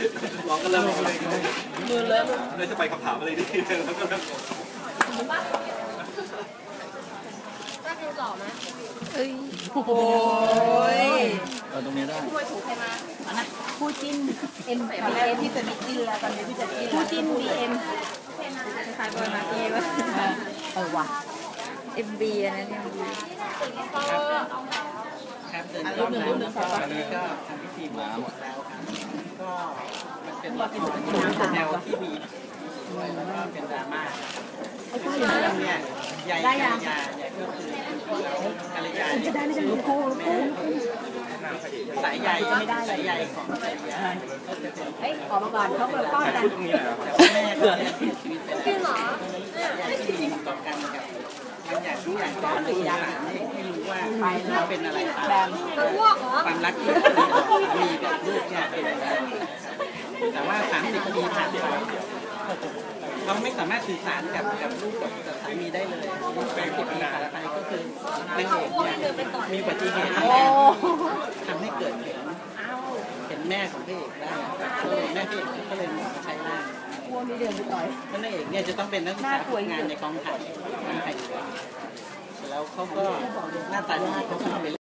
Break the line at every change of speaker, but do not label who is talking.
ร้องกันแล้วมือเลยจะไปคำถามอะไรดีแล้วก็
ได้ดูหล่อไหม
เอ้ยโอ้ย
ตรงนี้ได้
ช่วยถูกใครมานะ
คู่จิ้น M
ตอนแรกพี่จะมีจิ้นแล้วตอนนี้พี่จะจิ้น
คู่จิ้น BM
คล้ายๆบอยมากี้วะ
ว่ะ MB อันนั้น MB
ครับเดินรอบน้ำแล้วก็วันนี้ก็ทำพิธีมาหมดแล้วครับก็มันเป็นรอบที่แนวที่มีแล้วก็เป็นดราม่าเนี่ยใหญ่กัลยาใหญ่ก็คือกัลยาจะได้ไม่ได้คู่สายใหญ่สายใหญ่ของกัลยา
เฮ้ยขอมาก่อนเขาเปิดป้อนกัน
แม่ก็เสียชีวิตไปแล้ว
จริงเหรอ
ที่มีต่อกันกับมันอยากรู้อยากจะรู้อยากให้รู้ว่าเขาเป็นอะไร
จะอ้วกเหรอ
ความรักที่มีกับลูกเนี่ยเป็นอะไรแต่ว่า30 ปีผ่านไปเขาไม่สามารถสื่อสารกับลูกกับสามีได้เลย30 ปีผ่านไปก็คือนางเอกเนี่ยมีอุบัติเหตุทำให้เกิดเห็นแม่ของพระเอกได้แม่พระเอกก็เลยใช้ร่าง
พวกนี้เดินไปต่อย
นางเอกเนี่ยจะต้องเป็นนักศึกษาฝึกงานในกองถ่ายแล้วเขาก็หน้าตาดีเขาก็เป็น